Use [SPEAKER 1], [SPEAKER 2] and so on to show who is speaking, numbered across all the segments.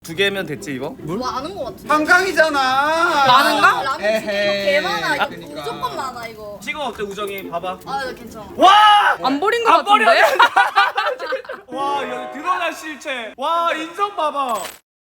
[SPEAKER 1] 두 개면 됐지 이거? 물?
[SPEAKER 2] 뭐 아는 거 같은데?
[SPEAKER 3] 한강이잖아.
[SPEAKER 2] 많은가? 라면 지금 이거
[SPEAKER 3] 에헤이.
[SPEAKER 2] 개 많아. 이거
[SPEAKER 3] 그러니까.
[SPEAKER 2] 무조건 많아 이거.
[SPEAKER 1] 지금 어때 우정이? 봐봐.
[SPEAKER 2] 아, 나 괜찮아.
[SPEAKER 1] 와!
[SPEAKER 4] 안 버린 거
[SPEAKER 1] 안 버려!
[SPEAKER 4] 같은데?
[SPEAKER 1] 와 여기 드러난 실체. 와 인성 봐봐.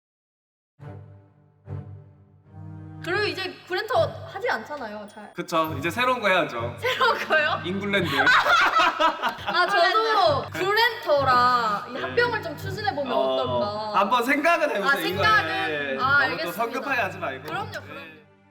[SPEAKER 2] 그리고 이제 브랜터 하지 않잖아요, 잘.
[SPEAKER 1] 그쵸 이제 새로운 거 해야죠.
[SPEAKER 2] 새로운 거요?
[SPEAKER 1] 잉글랜드.
[SPEAKER 2] 아, 저도 브랜터랑 이 합병을 좀 추진해 보면 어떨까?
[SPEAKER 1] 한번 생각은 해보세요.
[SPEAKER 2] 아, 생각은?
[SPEAKER 1] 이거에.
[SPEAKER 2] 아,
[SPEAKER 1] 너무
[SPEAKER 2] 알겠습니다.
[SPEAKER 1] 또 성급하게 하지 말고.
[SPEAKER 2] 그럼요,
[SPEAKER 1] 네.
[SPEAKER 2] 그럼요.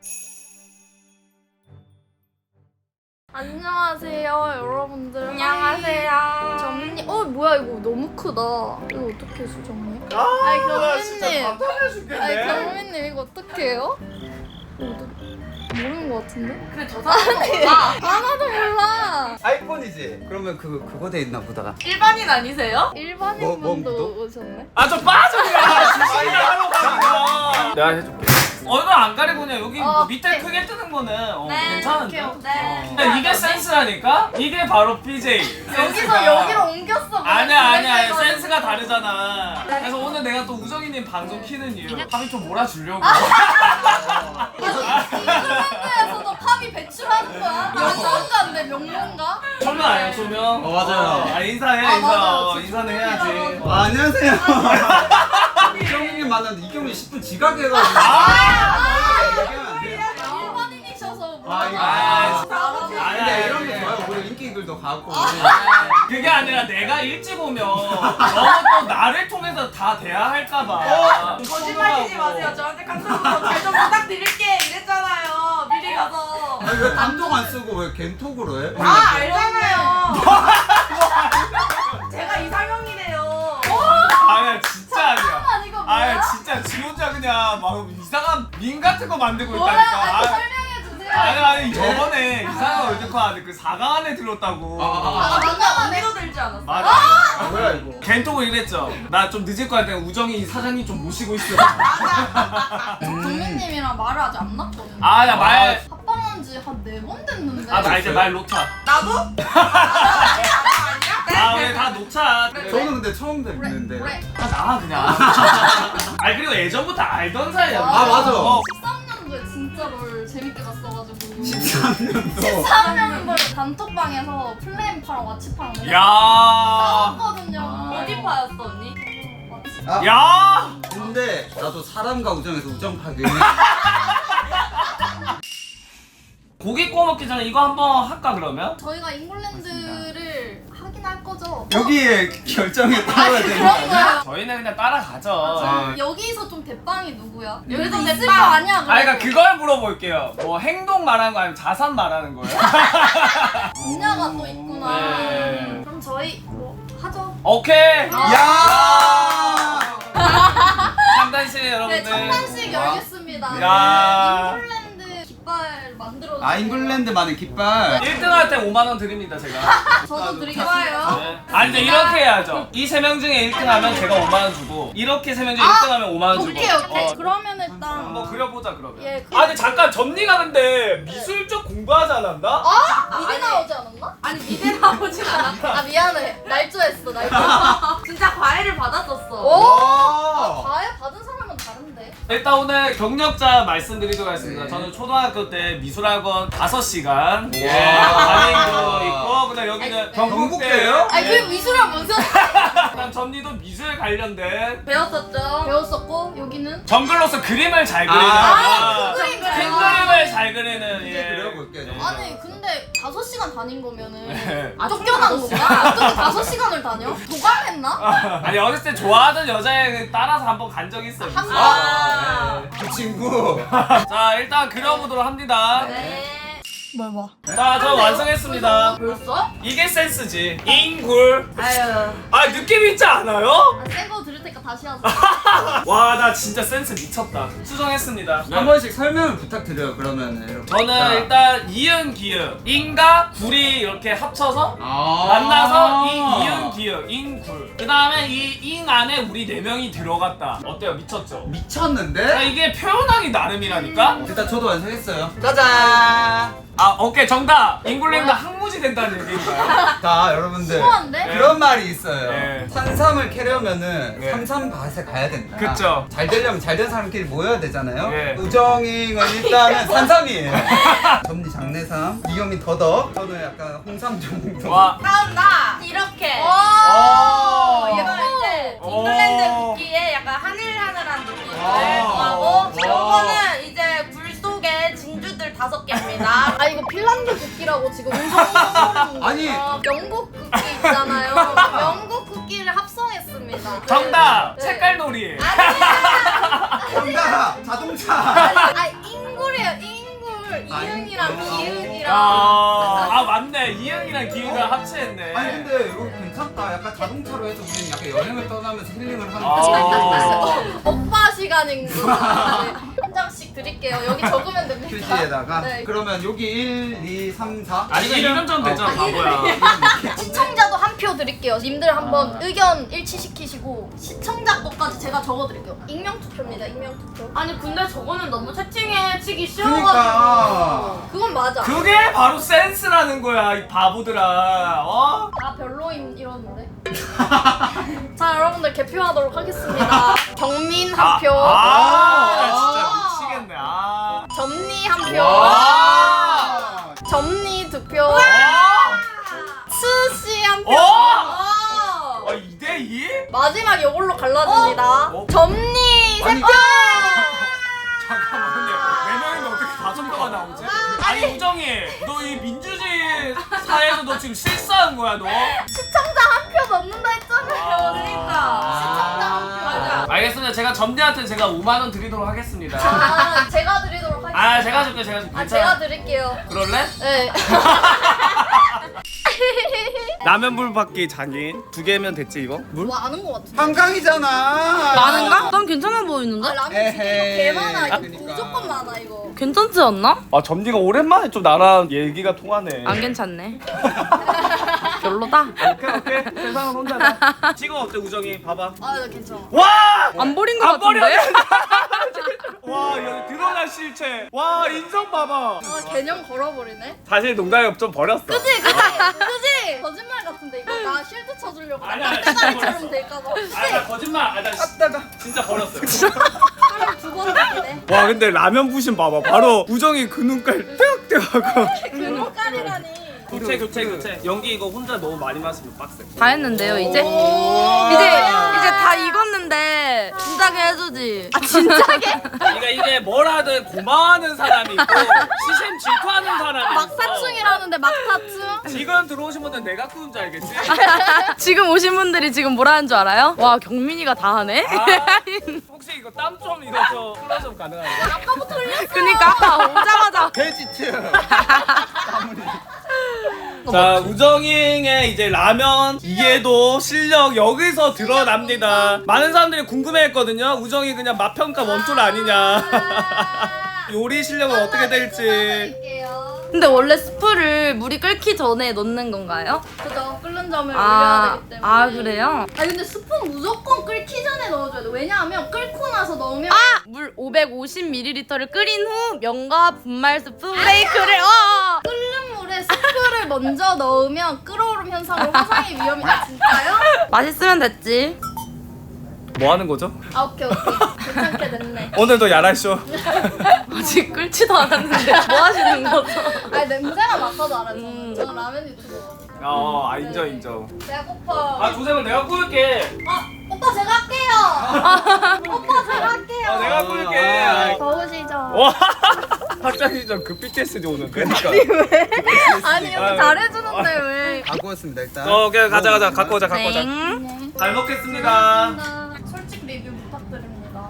[SPEAKER 2] 안녕하세요, 여러분들.
[SPEAKER 4] 안녕하세요.
[SPEAKER 2] 정님, 뭐야 이거 너무 크다. 이거 어떻게 수정해?
[SPEAKER 1] 아,
[SPEAKER 2] 경민님.
[SPEAKER 1] 나 진짜 답답해 죽겠네.
[SPEAKER 2] 경민님 이거 어떻게 해요? 모르는 것 같은데?
[SPEAKER 4] 근데 저 사람은 몰라.
[SPEAKER 2] 하나도 몰라.
[SPEAKER 3] 아이폰이지. 그러면 그거 돼 있나 보다가.
[SPEAKER 4] 일반인 아니세요?
[SPEAKER 2] 일반인
[SPEAKER 3] 뭐,
[SPEAKER 2] 분도
[SPEAKER 3] 뭐,
[SPEAKER 2] 오셨네.
[SPEAKER 1] 아 좀 빠져 그냥. 진짜 하러 가니까. 내가 해줄게. 얼굴 안 가리고 그냥 여기 뭐 밑에
[SPEAKER 2] 네.
[SPEAKER 1] 크게 뜨는 거는
[SPEAKER 4] 네,
[SPEAKER 1] 괜찮은데.
[SPEAKER 2] 오케이.
[SPEAKER 4] 네.
[SPEAKER 1] 근데 이게 센스라니까? 이게 바로 BJ.
[SPEAKER 2] 여기서 여기로 옮겼어.
[SPEAKER 1] 아니야 센스가 다르잖아. 그래서 오늘 내가 또 우정이님 방송 키는 이유 팝이 좀 몰아주려고.
[SPEAKER 2] 잉글랜드에서도 팝이 배출하는 거야? 명문가인데 명문가?
[SPEAKER 1] 조명 아니야 조명?
[SPEAKER 3] 맞아요.
[SPEAKER 1] 아 인사해
[SPEAKER 2] 아,
[SPEAKER 1] 인사.
[SPEAKER 2] 맞아요.
[SPEAKER 1] 인사는 해야지.
[SPEAKER 3] 안녕하세요. 이경민님 만났는데 이경민 10분 지각해가지고. 얘기하면 안 돼요?
[SPEAKER 2] 일반인이셔서
[SPEAKER 3] 아, 이거.
[SPEAKER 1] 아니야,
[SPEAKER 3] 근데 이런
[SPEAKER 1] 아니야.
[SPEAKER 3] 게 좋아요. 우리 인기글도 가고.
[SPEAKER 1] 그게 아니라 내가 일찍 오면 너무 또 나를 통해서 다 돼야 할까봐.
[SPEAKER 4] 거짓말치지 마세요. 저한테 카톡으로 잘좀 부탁드릴게 이랬잖아요. 미리 가서.
[SPEAKER 3] 아니 왜 단톡 안 쓰고 왜 겐톡으로 해?
[SPEAKER 4] 아 알잖아요. 제가 이상형이래요.
[SPEAKER 1] 아니야 진짜 아니야.
[SPEAKER 2] 잠깐만 이거 뭐야?
[SPEAKER 1] 아야 진짜 지 혼자 그냥 막 이상한 밈 같은 거 만들고
[SPEAKER 2] 뭐야?
[SPEAKER 1] 있다니까.
[SPEAKER 2] 아니,
[SPEAKER 1] 아,
[SPEAKER 2] 설명해주세요.
[SPEAKER 1] 아니 저번에 이상한 월드컵 하는데 그 4강 안에 들었다고.
[SPEAKER 2] 아, 맞나?
[SPEAKER 4] 언니도 들지 않았어?
[SPEAKER 1] 맞아.
[SPEAKER 3] 뭐야 이거?
[SPEAKER 1] 겐톡을 이랬죠. 나 좀 늦을 거 같아. 우정이 사장님 좀 모시고 있어.
[SPEAKER 2] 정민님이랑 말을 아직 안 났거든요.
[SPEAKER 1] 아야 말.
[SPEAKER 2] 합방한 지 한 4번 됐는데.
[SPEAKER 1] 아 나 이제 말 놓자.
[SPEAKER 4] 나도?
[SPEAKER 1] 아 왜 다 놓자.
[SPEAKER 3] 저는 근데 처음 뵙는데.
[SPEAKER 2] 그래.
[SPEAKER 1] 아 나 그냥. 아니 그리고 예전부터 알던 사이야.
[SPEAKER 3] 아, 맞아.
[SPEAKER 2] 13년도에 진짜 널 재밌게 봤어가지고
[SPEAKER 3] 13년도.
[SPEAKER 2] 13년도에 단톡방에서 플레임파랑 와치파랑 맨날
[SPEAKER 1] 야.
[SPEAKER 2] 싸웠거든요.
[SPEAKER 4] 어디 파였어 언니?
[SPEAKER 2] 와치.
[SPEAKER 1] 야.
[SPEAKER 3] 근데 나도 사람과 우정에서 우정 파괴.
[SPEAKER 1] 고기 구워 먹기 전에 이거 한번 할까 그러면?
[SPEAKER 2] 저희가 잉글랜드를 하긴 할 거죠.
[SPEAKER 3] 여기에 결정에 따라야 되는 거
[SPEAKER 2] 그런
[SPEAKER 3] 아니야?
[SPEAKER 2] 거예요.
[SPEAKER 1] 저희는 그냥 따라가죠.
[SPEAKER 3] 아.
[SPEAKER 2] 여기서 좀 대빵이 누구야?
[SPEAKER 4] 여기서
[SPEAKER 2] 여기도 있을
[SPEAKER 4] 대빵.
[SPEAKER 2] 거 아니야?
[SPEAKER 1] 아 그러니까 그걸 물어볼게요. 뭐 행동 말하는 거 아니면 자산 말하는 거예요?
[SPEAKER 2] 분야가 또 있구나.
[SPEAKER 1] 네.
[SPEAKER 2] 그럼 저희 뭐 하죠.
[SPEAKER 1] 오케이.
[SPEAKER 3] 야!
[SPEAKER 1] 참단식 여러분들.
[SPEAKER 2] 네, 청단식 열겠습니다.
[SPEAKER 1] 야.
[SPEAKER 2] 네, 잉글랜드 깃발 만들어.
[SPEAKER 3] 아 잉글랜드만의 깃발.
[SPEAKER 1] 1등한테 5만 원 드립니다 제가.
[SPEAKER 2] 저도 드리겠습니다.
[SPEAKER 1] 네. 아니 근데 이렇게 해야죠. 이 세 명 중에 1등하면 제가 5만 원 주고 이렇게 세 명 중에 1등하면 5만 원 주고.
[SPEAKER 2] 오케이. 그러면 일단
[SPEAKER 1] 한번 그려보자 그러면.
[SPEAKER 2] 예, 그-
[SPEAKER 1] 아니 잠깐 전니가 근데 미술 쪽 공부하지 않았나?
[SPEAKER 2] 미리 나오지 않았나?
[SPEAKER 4] 아니 미대 나오진 않았어.
[SPEAKER 2] 아 미안해. 날조했어. 날조.
[SPEAKER 4] 진짜 과외를 받았었어.
[SPEAKER 2] 오! 과외 받은 사람은 다른데.
[SPEAKER 1] 일단 오늘 경력자 말씀드리도록 하겠습니다.
[SPEAKER 3] 네.
[SPEAKER 1] 저는 초등학교 때 미술학원 5시간 예,
[SPEAKER 3] 와.
[SPEAKER 1] 다니고 있고 그다음 여기는
[SPEAKER 3] 경북대예요?
[SPEAKER 2] 아니 그 미술학 무슨
[SPEAKER 1] 그다음 전니도 미술 관련된
[SPEAKER 4] 배웠었죠.
[SPEAKER 2] 배웠었고 여기는
[SPEAKER 1] 정글로서 그림을 잘 그리는
[SPEAKER 2] 아, 그 그림
[SPEAKER 1] 큰
[SPEAKER 2] 그려.
[SPEAKER 1] 그림을 잘 그리는
[SPEAKER 3] 이제 그려볼게요.
[SPEAKER 1] 예.
[SPEAKER 2] 아니 근데 5시간 다닌 거면은
[SPEAKER 1] 네.
[SPEAKER 2] 쫓겨난 건가? 어떻게 5시간을 다녀? 도감했나?
[SPEAKER 1] 아니 어렸을 때 좋아하던 여자애 따라서 한번 간 적 있어요.
[SPEAKER 2] 한
[SPEAKER 1] 미술.
[SPEAKER 4] 아.
[SPEAKER 1] 네.
[SPEAKER 3] 그 친구.
[SPEAKER 1] 자 일단 그려보도록 합니다.
[SPEAKER 2] 네. 뭘 봐?
[SPEAKER 1] 자 저 완성했습니다.
[SPEAKER 4] 벌써?
[SPEAKER 1] 이게 센스지. 잉굴.
[SPEAKER 4] 아유.
[SPEAKER 1] 아 느낌 있지 않아요?
[SPEAKER 2] 새거 들을 테니까 다시 하자.
[SPEAKER 1] 와 나 진짜 센스 미쳤다. 수정했습니다.
[SPEAKER 3] 한 번씩 설명을 부탁드려요. 그러면 이렇게.
[SPEAKER 1] 저는
[SPEAKER 3] 자.
[SPEAKER 1] 일단 이응 기응 인과 굴이 이렇게 합쳐서
[SPEAKER 3] 아.
[SPEAKER 1] 만나서 이응 기응 잉굴. 그 다음에 이 잉 안에 우리 4명이 들어갔다. 어때요? 미쳤죠? 자,
[SPEAKER 3] 미쳤는데?
[SPEAKER 1] 이게 표현하기 나름이라니까.
[SPEAKER 3] 일단 저도 완성했어요.
[SPEAKER 4] 짜잔.
[SPEAKER 1] 오케이 정답. 잉글랜드 항무지 된다는 얘기인가요?
[SPEAKER 3] 자 여러분들
[SPEAKER 2] 심오한데?
[SPEAKER 3] 그런 말이 있어요.
[SPEAKER 1] 네.
[SPEAKER 3] 산삼을 캐려면은
[SPEAKER 1] 네.
[SPEAKER 3] 삼삼밭에 가야 된다.
[SPEAKER 1] 그쵸.
[SPEAKER 3] 잘 되려면 잘 된 사람끼리 모여야 되잖아요.
[SPEAKER 1] 네.
[SPEAKER 3] 우정이는 일단은 산삼이에요. 점리 장내삼, 이경민 더덕. 저는 약간 홍삼 정도.
[SPEAKER 1] 와.
[SPEAKER 4] 다음 나 이렇게.
[SPEAKER 1] 오.
[SPEAKER 4] 이거 이제
[SPEAKER 1] 오.
[SPEAKER 4] 잉글랜드 국기에 약간 하늘하늘한 느낌을
[SPEAKER 1] 와.
[SPEAKER 4] 더하고
[SPEAKER 1] 와.
[SPEAKER 4] 요거는 이제 굴 속에 진주들 5개입니다.
[SPEAKER 2] 아 이거 핀란드 국기라고 지금 운송하는
[SPEAKER 3] 아니.
[SPEAKER 2] 영국 국기 있잖아요. 영국 국기를 합성했습니다.
[SPEAKER 1] 정답.
[SPEAKER 2] 네.
[SPEAKER 1] 색깔놀이.
[SPEAKER 3] 정답 자동차.
[SPEAKER 2] 아 인굴이에요 인굴. 이응이랑 기응이랑.
[SPEAKER 1] 맞네. 이응이랑 기응이랑 합체했네.
[SPEAKER 3] 아니 근데 이거 괜찮다. 약간 자동차로 해서 우리는 약간 여행을 떠나면서 힐링을 하는
[SPEAKER 1] 아.
[SPEAKER 3] 거.
[SPEAKER 2] 오빠 시간인구나. 네. 한 장씩 드릴게요. 여기 적으면 됩니다.
[SPEAKER 3] 표시에다가
[SPEAKER 2] 네.
[SPEAKER 3] 그러면 여기 1, 2, 3, 4
[SPEAKER 1] 아니 이름 좀 되잖아 바보야.
[SPEAKER 2] 시청자도 한 표 드릴게요. 님들 한번 의견 일치시키시고 시청자 것까지 제가 적어드릴게요. 익명 투표입니다. 익명 투표.
[SPEAKER 4] 아니 근데 저거는 너무 채팅에 치기
[SPEAKER 3] 그러니까.
[SPEAKER 4] 쉬워가지고.
[SPEAKER 2] 그건 맞아.
[SPEAKER 1] 그게 바로 센스라는 거야 이 바보들아. 어?
[SPEAKER 2] 다 별로임 이러는데. 자 여러분들 개표하도록 하겠습니다. 경민 한 표,
[SPEAKER 1] 나 진짜 미치겠네.
[SPEAKER 2] 점니 한 표,
[SPEAKER 1] 와.
[SPEAKER 2] 점니 두 표,
[SPEAKER 1] 와.
[SPEAKER 2] 스씨 한 표.
[SPEAKER 1] 어? 2대2?
[SPEAKER 2] 마지막 이걸로 갈라집니다.
[SPEAKER 1] 어?
[SPEAKER 2] 점니 세
[SPEAKER 3] 아니,
[SPEAKER 2] 표.
[SPEAKER 1] 잠깐만 근데 4명인데 어떻게 5표가 나오지? 아니 우정이 너 이 민주주의 사회에서 너 지금 실수한 거야 너?
[SPEAKER 2] 시청자 한 표 넣는다 했잖아요.
[SPEAKER 4] 그러니까.
[SPEAKER 2] 시청자 한 표.
[SPEAKER 4] 맞아.
[SPEAKER 1] 알겠습니다. 제가 점대한테 제가 5만 원 드리도록 하겠습니다.
[SPEAKER 2] 아 제가 드리도록 하겠습니다.
[SPEAKER 1] 제가 줄게 제가 줄게.
[SPEAKER 2] 아 제가 드릴게요.
[SPEAKER 1] 그럴래?
[SPEAKER 2] 네.
[SPEAKER 1] 라면 받기 장인 2개면 됐지 이거? 물?
[SPEAKER 2] 뭐 아는 것 같은데.
[SPEAKER 3] 한강이잖아.
[SPEAKER 5] 많은가? 난 괜찮아 보이는데?
[SPEAKER 2] 아 라면 두 개가
[SPEAKER 3] 에헤이.
[SPEAKER 2] 개 많아. 이거
[SPEAKER 3] 그러니까.
[SPEAKER 2] 무조건 많아 이거.
[SPEAKER 5] 괜찮지 않나?
[SPEAKER 1] 아 점디가 오랜만에 좀 나랑 얘기가 통하네.
[SPEAKER 5] 안 괜찮네. 별로다.
[SPEAKER 1] 오케이 세상은 혼자다. 지금 어때 우정이? 봐봐.
[SPEAKER 2] 아나 괜찮아.
[SPEAKER 1] 와!
[SPEAKER 5] 안 버린 거
[SPEAKER 1] 안 버려.
[SPEAKER 5] 같은데?
[SPEAKER 1] 와 여기 드러난 실체. 와 인성 봐봐.
[SPEAKER 2] 아 개념 걸어버리네.
[SPEAKER 1] 사실 농담이 좀 버렸어.
[SPEAKER 2] 그지 그지 그지. 거짓말 같은데 이거 나 쉴드 쳐주려고.
[SPEAKER 1] 아니야, 아니야,
[SPEAKER 2] 떼다리처럼
[SPEAKER 1] 진짜
[SPEAKER 2] 될까봐.
[SPEAKER 1] 나 거짓말. 나 진짜 버렸어요.
[SPEAKER 2] 사람 두번 듣기네.
[SPEAKER 1] 와 근데 라면 부심 봐봐. 바로 우정이 그 눈깔 떼악떼하고.
[SPEAKER 2] 그 눈깔이라니.
[SPEAKER 1] 교체. 연기 이거 혼자 너무 많이 마시면 빡세.
[SPEAKER 5] 다 했는데요 이제?
[SPEAKER 2] 오.
[SPEAKER 5] 이제 다 익었는데 진작에 해주지.
[SPEAKER 2] 아 진짜게?
[SPEAKER 1] 그러니까 이게 뭘 하든 고마워하는 사람이 있고 시샘 질투하는 사람이 있어.
[SPEAKER 2] 막사충이라는데 막타충?
[SPEAKER 1] 지금 들어오신 분들 내가 꾸는 줄 알겠지?
[SPEAKER 5] 지금 오신 분들이 지금 뭐라는 줄 알아요? 와 경민이가 다 하네?
[SPEAKER 1] 혹시 이거 땀 좀 이거 좀 클로즈업 가능한가요?
[SPEAKER 2] 아까부터 흘렸어.
[SPEAKER 5] 그니까 오자마자
[SPEAKER 3] 돼지츠.
[SPEAKER 1] 자 우정이의 이제 라면 이게도 실력 여기서 드러납니다. 많은 사람들이 궁금해했거든요. 우정이 그냥 맛평가 원툴 아니냐. 요리 실력은 어떻게 될지.
[SPEAKER 2] 드릴게요.
[SPEAKER 5] 근데 원래 스프를 물이 끓기 전에 넣는 건가요?
[SPEAKER 2] 그죠. 끓는 점을 올려야 되기 때문에.
[SPEAKER 5] 아 그래요?
[SPEAKER 2] 아 근데 스푼 무조건 끓기 전에 넣어줘야 돼. 왜냐하면 끓고 나서 넣으면
[SPEAKER 5] 물 550ml를 끓인 후 면과 분말 스프 브레이크를
[SPEAKER 2] 끓는 물에 스프를 먼저 넣으면 끓어오름 현상으로 화상의 위험이. 아 진짜요?
[SPEAKER 5] 맛있으면 됐지.
[SPEAKER 1] 뭐 하는 거죠?
[SPEAKER 2] 아 오케이 괜찮게 됐네.
[SPEAKER 1] 오늘도 야랄쇼.
[SPEAKER 5] 아직 끓지도 않았는데 뭐 하시는 거죠?
[SPEAKER 2] 아니 냄새가 맡아도 알아요. 저는 라면 유튜버.
[SPEAKER 1] 인정.
[SPEAKER 2] 배가 고파.
[SPEAKER 1] 조셉은 내가 꾸울게.
[SPEAKER 2] 오빠 제가 할게요. 오빠 제가 할게요.
[SPEAKER 1] 내가 꾸울게.
[SPEAKER 2] 더우시죠?
[SPEAKER 1] 와 학장이 좀 급비테스지 오는데.
[SPEAKER 3] 그러니까.
[SPEAKER 2] 아니 이렇게 잘해주는데 왜?
[SPEAKER 3] 갖고 왔습니다 일단.
[SPEAKER 1] 오케이 가자 갖고 오자.
[SPEAKER 5] 땡.
[SPEAKER 1] 잘 먹겠습니다.
[SPEAKER 2] 솔직 리뷰 부탁드립니다.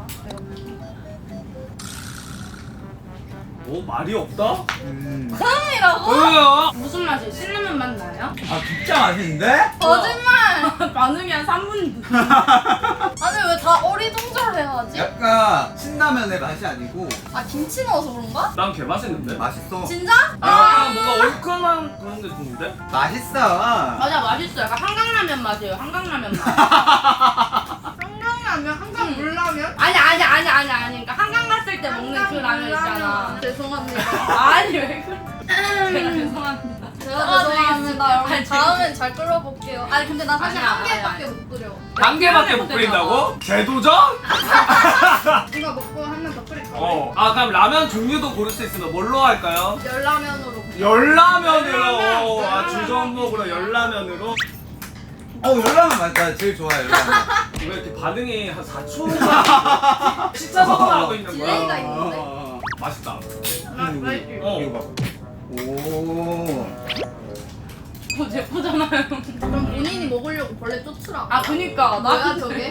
[SPEAKER 1] 오 말이 없다?
[SPEAKER 2] 사랑이라고?
[SPEAKER 1] 뭐야?
[SPEAKER 5] 무슨 맛이? 신라면 맛 나요?
[SPEAKER 3] 아 진짜 맛있는데?
[SPEAKER 2] 거짓말!
[SPEAKER 5] 반응이 한 3분.
[SPEAKER 2] 아니 왜 다 어리둥절해야지?
[SPEAKER 3] 약간 신라면의 맛이 아니고
[SPEAKER 2] 아 김치 넣어서 그런가?
[SPEAKER 1] 난 개 맛있는데.
[SPEAKER 3] 맛있어.
[SPEAKER 2] 진짜?
[SPEAKER 1] 약간 뭔가 얼큰한 그런 게 좋은데?
[SPEAKER 3] 맛있어.
[SPEAKER 5] 맞아 맛있어. 약간 한강라면 맛이에요. 한강라면 맛.
[SPEAKER 2] 한강라면? 한강 물라면?
[SPEAKER 5] 아니. 그러니까 한강 갔을 끓일 때 먹는 그 라면 있잖아.
[SPEAKER 2] 죄송합니다.
[SPEAKER 5] 아니 왜 그래? 제가 죄송합니다.
[SPEAKER 2] 제가 죄송합니다. 여러분.
[SPEAKER 5] 아니,
[SPEAKER 2] 다음엔 잘 끓여볼게요. 아니 근데 나 사실
[SPEAKER 5] 아니야,
[SPEAKER 2] 한 개밖에
[SPEAKER 5] 아니야.
[SPEAKER 2] 못 끓여.
[SPEAKER 1] 한 개밖에 못 끓인다고? 재도전?
[SPEAKER 2] 이거 먹고 한 번 더 끓일까?
[SPEAKER 1] 아 그럼 라면 종류도 고를 수 있으면 뭘로 할까요?
[SPEAKER 2] 열라면으로.
[SPEAKER 1] 열라면으로. 아 주전목으로 열라면으로.
[SPEAKER 3] 열라면 맞다. 제일 좋아요. 열라면.
[SPEAKER 1] 왜 이렇게 반응이 한 4초간 진짜 성공하고 있는 거야?
[SPEAKER 2] 딜레이가 있는데?
[SPEAKER 1] 맛있다.
[SPEAKER 3] 이거 봐. 오.
[SPEAKER 5] 제포잖아요.
[SPEAKER 2] 그럼 본인이 먹으려고 벌레 쫓으라.
[SPEAKER 5] 아 그니까
[SPEAKER 2] 뭐야
[SPEAKER 5] 나
[SPEAKER 2] 저게?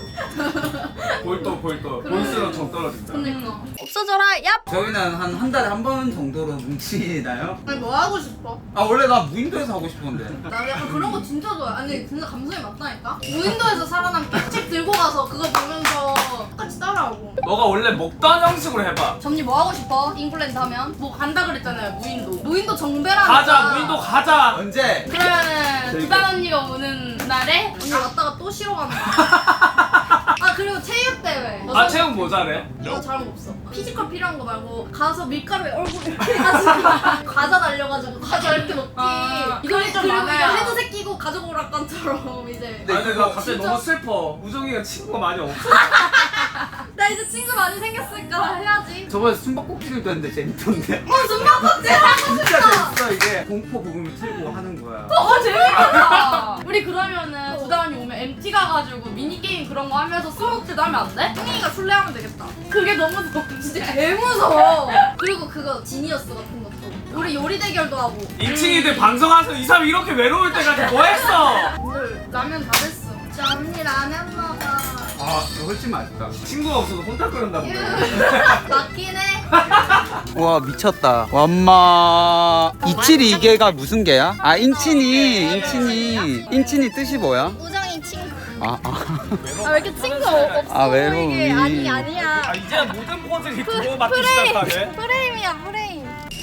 [SPEAKER 1] 볼도 볼수록 정 떨어진다.
[SPEAKER 2] 그러니까. 없어져라. 얍.
[SPEAKER 3] 저희는 한 달에 한 번 정도로 뭉치나요?
[SPEAKER 2] 아니 뭐 하고 싶어?
[SPEAKER 3] 아 원래 나 무인도에서 하고 싶었는데.
[SPEAKER 2] 나 약간 그런 거 진짜 좋아해. 아니 진짜 감성이 맞다니까? 무인도에서 살아남기 책 들고 가서 그거 보면서 똑같이 따라하고.
[SPEAKER 1] 너가 원래 먹던 형식으로 해봐.
[SPEAKER 2] 점니 뭐 하고 싶어? 잉글랜드 하면?
[SPEAKER 5] 뭐 간다 그랬잖아요 무인도.
[SPEAKER 2] 무인도 정배라니까.
[SPEAKER 1] 가자 무인도 가자.
[SPEAKER 3] 언제?
[SPEAKER 5] 그러면은 두단 언니가 오는 날에
[SPEAKER 2] 언니 왔다가 또 쉬러 간다. 아 그리고 체육대회.
[SPEAKER 1] 아 체육 뭐 잘해?
[SPEAKER 2] 나 잘한 거 없어. 피지컬 필요한 거 말고 가서 밀가루에 얼굴 이렇게 해가지고 과자 날려가지고 과자 이렇게 먹기.
[SPEAKER 5] 아,
[SPEAKER 2] 이거
[SPEAKER 5] 그게 좀
[SPEAKER 2] 그리고
[SPEAKER 5] 많아요.
[SPEAKER 2] 이거 헤드셋 끼고 가족 오락관처럼 이제.
[SPEAKER 1] 아니 근데 나 갑자기
[SPEAKER 2] 진짜?
[SPEAKER 1] 너무 슬퍼. 우정이가 친구가 많이 없어.
[SPEAKER 2] 나 이제 친구 많이 생겼으니까 해야지.
[SPEAKER 3] 저번에 숨바꼭질도 했는데 재밌던데.
[SPEAKER 2] 숨바꼭질 하고
[SPEAKER 3] 진짜
[SPEAKER 2] 싶다.
[SPEAKER 3] 재밌어 이게. 공포 부금을 틀고 하는 거야.
[SPEAKER 5] 재밌겠다. 우리 그러면은 두단 언니 오면 MT 가가지고 미니 게임 그런 거 하면서 스모크도 하면 안 돼?
[SPEAKER 2] 승희가 술래하면 되겠다.
[SPEAKER 5] 그게 너무 좋은데.
[SPEAKER 2] 진짜 개 무서워. 그리고 그거 지니어스 같은 것도. 우리 요리 대결도 하고.
[SPEAKER 1] 2층이들 방송하면서 이 사람이 이렇게 외로울 때까지 뭐 했어?
[SPEAKER 2] 오늘 라면 다 됐어. 진짜 언니 라면 먹어.
[SPEAKER 3] 아 이거 훨씬 맛있다.
[SPEAKER 1] 친구가 없어서 혼자 끓는다 보네.
[SPEAKER 2] 맞긴 해.
[SPEAKER 3] 와 미쳤다. 엄마. 272개가 무슨 개야? 아 인친이. 뜻이 뭐야?
[SPEAKER 2] 우정이 친구.
[SPEAKER 3] 아.
[SPEAKER 2] 아 왜 이렇게 친구 없어
[SPEAKER 3] 아, 외로움이.
[SPEAKER 2] 보이게. 아니야.
[SPEAKER 1] 아 이제 모든 포즈를 주고받기 시작하네.
[SPEAKER 2] 프레임이야 프레임.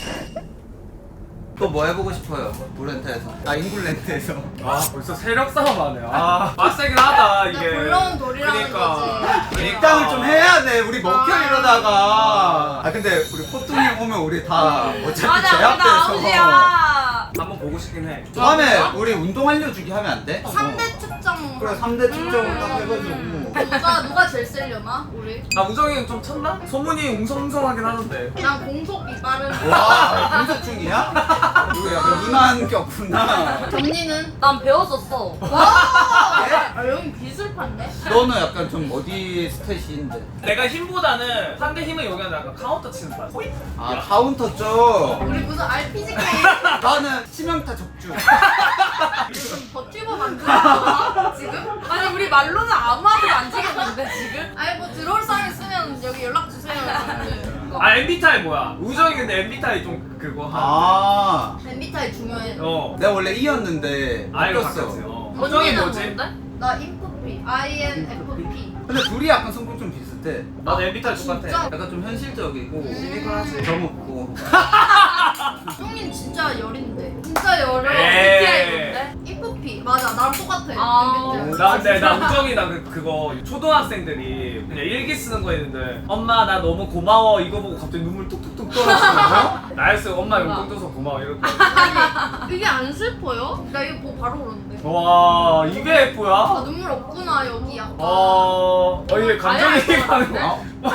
[SPEAKER 3] 또 뭐 해보고 싶어요? 브렌트에서. 아 잉글랜드에서.
[SPEAKER 1] 아 벌써 세력 싸움 하네. 아 빡세긴 하다 이게.
[SPEAKER 2] 굴러온 돌이라는 거지.
[SPEAKER 3] 밀당을 좀 해야 돼. 우리 먹혀 이러다가. 아 근데 우리 포통이 오면 우리 다 어차피
[SPEAKER 5] 맞아 우리 나
[SPEAKER 3] 제압돼서.
[SPEAKER 5] 아웃이야.
[SPEAKER 1] 한번 보고 싶긴 해.
[SPEAKER 3] 다음에 우리 운동 알려주기 하면 안 돼?
[SPEAKER 2] 3대 측정.
[SPEAKER 3] 그래 3대 측정을 딱 해가지고.
[SPEAKER 2] 누가 제일 세려나? 우리?
[SPEAKER 1] 아 우정이는 좀 쳤나? 소문이 웅성웅성하긴 하는데.
[SPEAKER 2] 난 공속이 빠른.
[SPEAKER 3] 와 분석 중이야? 이거 약간 누난 꼈구나.
[SPEAKER 2] 점니는?
[SPEAKER 5] 난 배웠었어.
[SPEAKER 2] 와! 아 여기 기술파인데?
[SPEAKER 3] 너는 약간 좀 어디 스탯인데?
[SPEAKER 1] 내가 힘보다는 상대 힘을 요구하는 약간 카운터 치는 판. 호잇!
[SPEAKER 3] 아 카운터 쪽.
[SPEAKER 2] 우리 무슨 RPG 게임
[SPEAKER 3] 나는 치명타 적중.
[SPEAKER 2] 무슨 버튜버 만들었어 지금?
[SPEAKER 5] 아니 우리 말로는 아무한테도 안 지겠는데 지금?
[SPEAKER 2] 아니 뭐 들어올 사람 있으면 여기 연락 주세요.
[SPEAKER 1] 아 MBTI 뭐야? 우정이 근데 MBTI 좀 그거 하.
[SPEAKER 3] 아
[SPEAKER 2] MBTI 중요해.
[SPEAKER 1] 어.
[SPEAKER 3] 내가 원래 E였는데
[SPEAKER 1] 아이고
[SPEAKER 3] 바뀌었어.
[SPEAKER 1] 바뀌었지. 우정이
[SPEAKER 2] 언니는
[SPEAKER 1] 뭐지?
[SPEAKER 2] 뭔데? 나 INFP. INFP.
[SPEAKER 3] 근데 둘이 약간 성격 좀 비슷해.
[SPEAKER 1] 나도 MBTI 똑같아.
[SPEAKER 2] 진짜?
[SPEAKER 3] 약간 좀 현실적이고
[SPEAKER 1] 시니컬하지.
[SPEAKER 3] 저먹고.
[SPEAKER 2] 형님 진짜 열인데. 진짜 열어.
[SPEAKER 5] MBTI
[SPEAKER 1] 에이.
[SPEAKER 5] 뭔데?
[SPEAKER 2] INFP. 맞아 나랑 똑같아.
[SPEAKER 5] 아.
[SPEAKER 2] MBTI.
[SPEAKER 1] 나 근데 나 우정이나 그거 초등학생들이 그냥 일기 쓰는 거 했는데 엄마 나 너무 고마워 이거 보고 갑자기 눈물 뚝뚝뚝 떨어지는 거? 나였어 엄마 용돈 줘서 고마워 이렇게.
[SPEAKER 2] 아니 이게 안 슬퍼요? 나 이거 보고 바로 그러는데.
[SPEAKER 1] 와 이게
[SPEAKER 2] 아
[SPEAKER 1] F야?
[SPEAKER 2] 눈물 없구나 여기 약간.
[SPEAKER 1] 이게 감정이입하는 거야?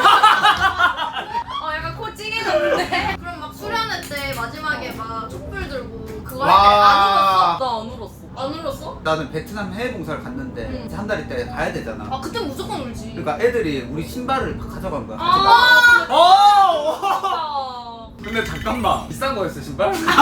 [SPEAKER 5] 약간 코 찡해졌는데?
[SPEAKER 2] 그럼 막 수련회 때 마지막에 막 촛불 들고 그거
[SPEAKER 3] 와.
[SPEAKER 2] 할 때
[SPEAKER 5] 나 안 울었어.
[SPEAKER 2] 안 울었어?
[SPEAKER 3] 나는 베트남 해외 봉사를 갔는데
[SPEAKER 2] 응.
[SPEAKER 3] 이제 한 달 있다 가야 되잖아.
[SPEAKER 2] 아 그때 무조건 울지.
[SPEAKER 3] 그러니까 애들이 우리 신발을 막 가져간 거야.
[SPEAKER 2] 아.
[SPEAKER 1] 어! 근데 잠깐만 비싼 거였어 신발? 진짜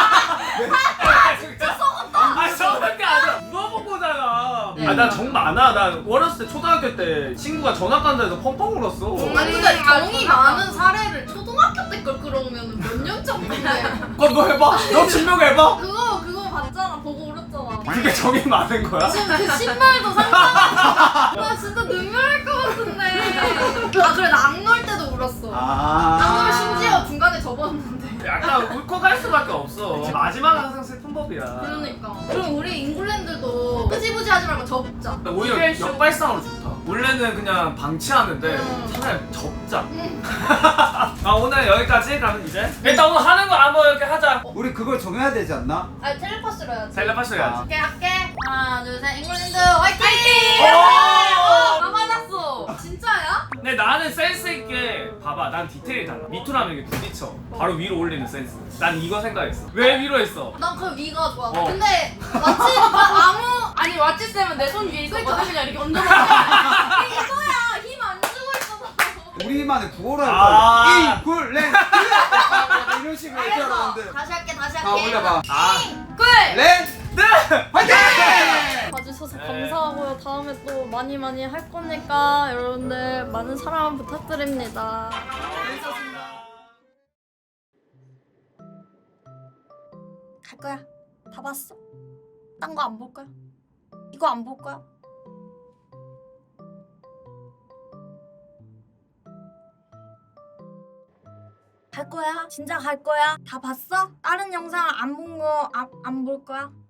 [SPEAKER 1] 썩었다. 아 썩은 게 아니라 물어본 거잖아. 아나 정 많아. 나 어렸을 때 초등학교 때 친구가 전학 간다 해서 펑펑 울었어.
[SPEAKER 2] 아니 근데 정이 많은 사례를 초등학교 때 걸 끌어오면 몇 년 전인데.
[SPEAKER 1] 너 해봐. 너 증명해봐.
[SPEAKER 2] 그거 봤잖아. 보고 울었잖아.
[SPEAKER 1] 그게 정이 많은 거야?
[SPEAKER 2] 지금 그 신발도 상상나. 나 진짜 눈물 날 것 같은데. 아 그래 나 악놀 때도 울었어. 악놀 심지어 중간에 접었는데.
[SPEAKER 1] 약간 울컥할 수밖에 없어. 마지막은 항상 슬픈 법이야.
[SPEAKER 2] 그러니까. 그럼 우리 잉글랜드도 흐지부지 하지 말고 접자.
[SPEAKER 1] 오히려 역발상으로 좋다. 원래는 그냥 방치하는데 차라리 접자.
[SPEAKER 2] 응.
[SPEAKER 1] 오늘 여기까지. 그러면 이제 일단 오늘 하는 거 한번 이렇게 하자.
[SPEAKER 3] 우리 그걸 정해야 되지 않나?
[SPEAKER 2] 아니 텔레파스로 해야지.
[SPEAKER 1] 텔레파시 해야지.
[SPEAKER 2] 할게 할게. 하나 둘 셋. 잉글랜드 화이팅!
[SPEAKER 5] 다 맞았어.
[SPEAKER 2] 진짜야?
[SPEAKER 1] 근데 나는 센스 있게 봐봐. 난 디테일이 달라. 밑으로 이렇게 부딪혀. 바로 위로 올리는 센스. 난 이거 생각했어. 왜 위로 했어?
[SPEAKER 2] 난 그 위가 좋아.
[SPEAKER 1] 어.
[SPEAKER 2] 근데 마치 아무
[SPEAKER 5] 아니 왓츠 쌤은 내 손 위에 있었거든.
[SPEAKER 2] 그러니까.
[SPEAKER 5] 그냥 이렇게 얹어놓고.
[SPEAKER 2] 이거야. 힘 안 주고 있어서.
[SPEAKER 3] 우리만의 구호를 할
[SPEAKER 1] 아.
[SPEAKER 3] 거야. 잉글랜드 이런 식으로 해야
[SPEAKER 2] 알겠어.
[SPEAKER 3] 되는데.
[SPEAKER 2] 다시 할게 다시
[SPEAKER 3] 자
[SPEAKER 2] 할게.
[SPEAKER 3] 올려봐.
[SPEAKER 5] 꿀.
[SPEAKER 3] 랜드 화이팅!
[SPEAKER 6] 봐주셔서
[SPEAKER 1] 네.
[SPEAKER 6] 감사하고요. 다음에 또 많이 할 거니까 여러분들 많은 사랑 부탁드립니다. 갈 거야. 다 봤어? 딴 거 안 볼 거야? 이거 안 볼 거야? 갈 거야? 진짜 갈 거야? 다 봤어? 다른 영상 안 본 거 안 볼 거야?